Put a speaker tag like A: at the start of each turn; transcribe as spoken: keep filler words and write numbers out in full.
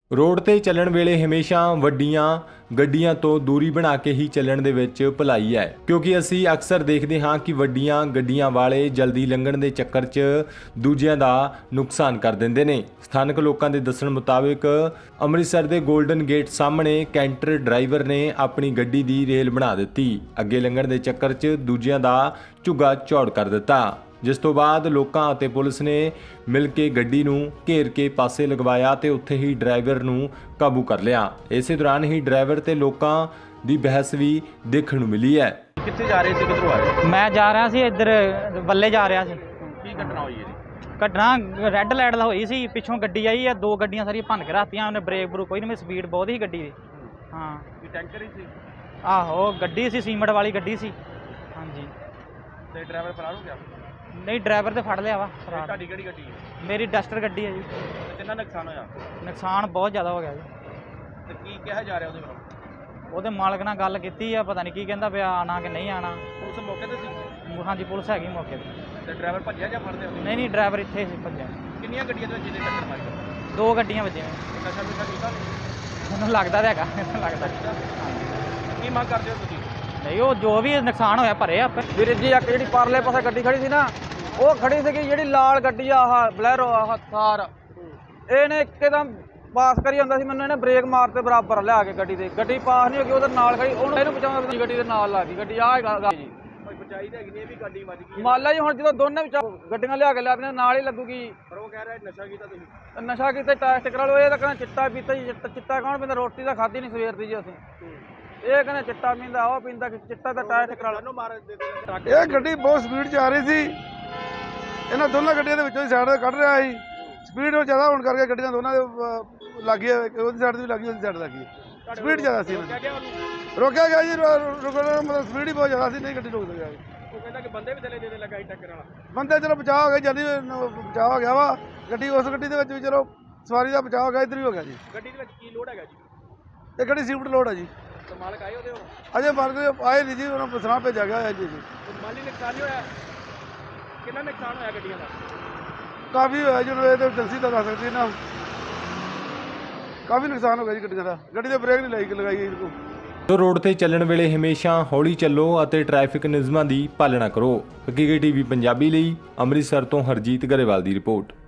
A: Road ते ਚੱਲਣ ਵੇਲੇ ਹਮੇਸ਼ਾ ਵੱਡੀਆਂ ਗੱਡੀਆਂ ਤੋਂ ਦੂਰੀ ਬਣਾ ਕੇ ਹੀ ਚੱਲਣ ਦੇ ਵਿੱਚ ਭਲਾਈ ਹੈ, ਕਿਉਂਕਿ ਅਸੀਂ ਅਕਸਰ ਦੇਖਦੇ ਹਾਂ ਕਿ ਵੱਡੀਆਂ ਗੱਡੀਆਂ ਵਾਲੇ ਜਲਦੀ ਲੰਘਣ ਦੇ ਚੱਕਰ 'ਚ ਦੂਜਿਆਂ ਦਾ ਨੁਕਸਾਨ ਕਰ ਦਿੰਦੇ ਨੇ। ਸਥਾਨਕ ਲੋਕਾਂ ਦੇ ਦੱਸਣ ਮੁਤਾਬਿਕ ਅੰਮ੍ਰਿਤਸਰ ਦੇ ਗੋਲਡਨ ਗੇਟ ਸਾਹਮਣੇ ਕੈਂਟਰ ਡਰਾਈਵਰ ਨੇ ਆਪਣੀ ਗੱਡੀ ਦੀ ਰੇਲ ਬਣਾ ਦਿੱਤੀ, ਅੱਗੇ ਲੰਘਣ ਦੇ ਚੱਕਰ 'ਚ ਦੂਜਿਆਂ ਦਾ ਝੁੱਗਾ ਝੌੜ ਕਰ ਦਿੱਤਾ, जिस तो बाद लोकां अते पुलिस ने मिल के गड्डी नूं घेर के पासे लगवाया ते उत्थे ही ड्राइवर नूं काबू कर लिया। इस दौरान ही ड्राइवर ते लोकां दी बहस भी देखण नूं मिली है।
B: कित्थे जा रहे सी, किधरों आ रहे?
C: मैं जा रहा सी इधर बल्ले जा रहा सी।
B: की घटना हुई है?
C: घटना रैड लाइट दा होई सी, पिछों गड्डी आई है, दो गड्डियां सारियां भन के रखतियां, उन्हें ब्रेक ब्रूक कोई नहीं, स्पीड बहुत ही गड्डी दी। हाँ
B: की टैंकर ही सी?
C: आहो गड्डी सी, सीमेंट वाली गड्डी सी। हाँ जी।
B: ते ड्राइवर फरार हो गया?
C: नहीं ड्राइवर तो फड़ लिया वा।
B: ਤੁਹਾਡੀ ਕਿਹੜੀ ਗੱਡੀ ਹੈ?
C: मेरी डस्टर गड्डी है जी।
B: ਤੇ ਕਿੰਨਾ ਨੁਕਸਾਨ ਹੋਇਆ?
C: नुकसान बहुत ज़्यादा हो गया जी।
B: ਤੇ ਕੀ ਕਿਹਾ ਜਾ ਰਿਹਾ ਉਹਦੇ ਵੱਲੋਂ?
C: ਉਹਦੇ ਮਾਲਕ ਨਾਲ ਗੱਲ ਕੀਤੀ ਆ, ਪਤਾ ਨਹੀਂ ਕੀ ਕਹਿੰਦਾ ਪਿਆ, ਆਣਾ ਕਿ ਨਹੀਂ ਆਣਾ।
B: ਪੁਲਿਸ ਮੌਕੇ ਤੇ ਸੀ?
C: ਹਾਂਜੀ ਪੁਲਿਸ ਹੈਗੀ ਮੌਕੇ ਤੇ।
B: ਤੇ ਡਰਾਈਵਰ ਭੱਜਿਆ ਜਾਂ ਫੜਦੇ ਹੋ?
C: ਨਹੀਂ ਨਹੀਂ ਡਰਾਈਵਰ ਇੱਥੇ ਸੀ ਭੱਜਿਆ।
B: ਕਿੰਨੀਆਂ ਗੱਡੀਆਂ ਦੇ ਵਿੱਚ ਇਹਨੇ ਟੱਕਰ ਮਾਰੀ?
C: ਦੋ ਗੱਡੀਆਂ ਵੱਜੀਆਂ।
B: ਨਸ਼ਾ ਨੁਸ਼ਾ ਕੀਤਾ ਨਹੀਂ?
C: ਮੈਨੂੰ ਲੱਗਦਾ ਤਾਂ ਹੈਗਾ, ਮੈਨੂੰ ਲੱਗਦਾ।
B: ਕੀ ਮੰਗ ਕਰਦੇ ਹੋ ਤੁਸੀਂ?
C: ਨਹੀਂ ਉਹ ਜੋ ਵੀ ਨੁਕਸਾਨ ਹੋਇਆ ਭਰੇ ਆਪੇ।
D: ਵੀਰ ਜੀ ਇੱਕ ਜਿਹੜੀ ਪਰਲੇ ਪਾਸੇ ਗੱਡੀ ਖੜੀ ਸੀ ਨਾ, ਉਹ ਖੜੀ ਸੀਗੀ ਜਿਹੜੀ ਲਾਲ ਗੱਡੀ ਆ, ਆਹ ਬਲੈਰੋ ਆਹ ਥਾਰ, ਇਹਨੇ ਇੱਕਦਮ ਪਾਸ ਕਰੀ ਜਾਂਦਾ ਸੀ, ਮੈਨੂੰ ਇਹਨੇ ਬ੍ਰੇਕ ਮਾਰ ਤੇ ਬਰਾਬਰ ਲਿਆ ਕੇ ਗੱਡੀ ਦੇ, ਗੱਡੀ ਪਾਸ ਨਹੀਂ ਹੋ ਗਈ, ਉਹਦੇ ਨਾਲ ਖੜੀ, ਉਹਨੂੰ ਇਹਨੂੰ ਬਚਾਉਂਦਾ ਗੱਡੀ ਦੇ ਨਾਲ ਲੱਗ ਗਈ ਗੱਡੀ। ਆਹ ਗੱਲ ਜੀ
B: ਬਚਾਈ ਤਾਂ ਹੈਗੀ ਨਹੀਂ, ਇਹ ਵੀ ਗੱਡੀ ਵੱਜ ਗਈ
D: ਮਾਲਾ ਜੀ। ਹੁਣ ਜਦੋਂ ਦੋਨੇ ਵਿੱਚ ਗੱਡੀਆਂ ਲਿਆ ਕੇ ਲਿਆਦੀਆਂ ਨਾਲ ਹੀ ਲੱਗੂਗੀ।
B: ਪਰ ਉਹ ਕਹਿ ਰਿਹਾ ਨਸ਼ਾ ਕੀਤਾ ਤੁਸੀਂ?
D: ਨਸ਼ਾ ਕੀਤਾ ਟੈਸਟ ਕਰਾ ਲਓ। ਇਹ ਤਾਂ ਕਹਿੰਦਾ ਚਿੱਟਾ ਪੀਤਾ ਜੀ। ਚਿੱਟਾ ਚਿੱਟਾ ਕੌਣ ਪੀਂਦਾ? ਰੋਟੀ ਤਾਂ ਖਾਧੀ ਨਹੀਂ ਸਵੇਰ ਦੀ ਜੀ ਅਸੀਂ। ਇਹ ਕਹਿੰਦੇ ਚਿੱਟਾ ਪੀਂਦਾ, ਉਹ ਪੀਂਦਾ, ਚਿੱਟਾ ਦਾ ਟੈਸਟ ਕਰਾ ਲਓ।
B: ਮਾਰ
E: ਇਹ ਗੱਡੀ ਬਹੁਤ ਸਪੀਡ 'ਚ ਆ ਰਹੀ ਸੀ, ਇਹਨਾਂ ਦੋਨਾਂ ਗੱਡੀਆਂ ਦੇ ਵਿੱਚੋਂ ਸਾਈਡ 'ਤੇ ਕੱਢ ਰਿਹਾ ਸੀ। ਸਪੀਡ ਉਹ ਜ਼ਿਆਦਾ ਹੋਣ ਕਰਕੇ ਗੱਡੀਆਂ ਦੋਨਾਂ ਦੇ ਲੱਗੀ, ਉਹਦੀ ਸਾਈਡ 'ਤੇ ਵੀ ਲੱਗੀ, ਉਹਦੀ ਸਾਈਡ 'ਤੇ ਲੱਗੀ। ਸਪੀਡ ਜ਼ਿਆਦਾ ਸੀ, ਰੋਕਿਆ ਗਿਆ ਜੀ। ਰੁਕਣ ਮਤਲਬ ਸਪੀਡ ਹੀ ਬਹੁਤ ਜ਼ਿਆਦਾ ਸੀ, ਨਹੀਂ ਗੱਡੀ ਰੁਕ ਸਕਿਆ।
B: ਉਹ ਕਹਿੰਦਾ ਕਿ ਬੰਦੇ ਵੀ ਥੱਲੇ ਦੇ ਦੇ ਲਗਾਈ ਟੱਕਰ ਵਾਲਾ।
E: ਬੰਦੇ ਚਲੋ ਬਚਾਅ ਹੋ ਗਿਆ, ਜਲਦੀ ਬਚਾਅ ਹੋ ਗਿਆ ਵਾ। ਗੱਡੀ ਉਸ ਗੱਡੀ ਦੇ ਵਿੱਚ ਵੀ ਚਲੋ ਸਵਾਰੀ ਦਾ ਬਚਾਅ ਹੋ ਗਿਆ, ਇੱਧਰ ਵੀ ਹੋ ਗਿਆ ਜੀ।
B: ਗੱਡੀ ਦੇ ਵਿੱਚ ਕੀ ਲੋਡ ਹੈਗਾ ਜੀ?
E: ਇਹ ਗੱਡੀ ਸੀਫਟ ਲੋਡ ਹੈ ਜੀ।
B: ਤੇ ਮਾਲਕ ਆਏ ਉਹਦੇ?
E: ਅਜੇ ਮਾਲਕ ਆਏ ਨਹੀਂ ਜੀ, ਉਹਨਾਂ ਨੂੰ ਪੁੱਛਣਾ ਭੇਜਿਆ ਗਿਆ ਹੈ ਜੀ।
B: ਮਾਲੀ ਨੁਕਸਾਨ ਨਹੀਂ ਹੋਇਆ? ਕਿੰਨਾ ਨੁਕਸਾਨ ਹੋਇਆ ਗੱਡੀਆਂ ਦਾ?
E: ਕਾਫੀ ਹੋਇਆ ਜੀ, ਇਹ ਤਾਂ ਏਜੰਸੀ ਦਾ ਦੱਸ ਸਕਦੀ ਨਾ। ਕਾਫੀ ਨੁਕਸਾਨ ਹੋ ਗਿਆ ਜੀ ਗੱਡੀਆਂ ਦਾ। ਗੱਡੀ ਦੇ ਬ੍ਰੇਕ ਨਹੀਂ ਲਾਈ ਲਗਾਈ ਇਹਨੂੰ।
A: ਤੋ ਰੋਡ ਤੇ ਚੱਲਣ ਵੇਲੇ ਹਮੇਸ਼ਾ ਹੌਲੀ ਚੱਲੋ ਅਤੇ ਟ੍ਰੈਫਿਕ ਨਿਯਮਾਂ ਦੀ ਪਾਲਣਾ ਕਰੋ। ਹਕੀਕਤ ਟੀਵੀ ਪੰਜਾਬੀ ਲਈ ਅੰਮ੍ਰਿਤਸਰ ਤੋਂ ਹਰਜੀਤ ਗਰੇਵਾਲ ਦੀ ਰਿਪੋਰਟ।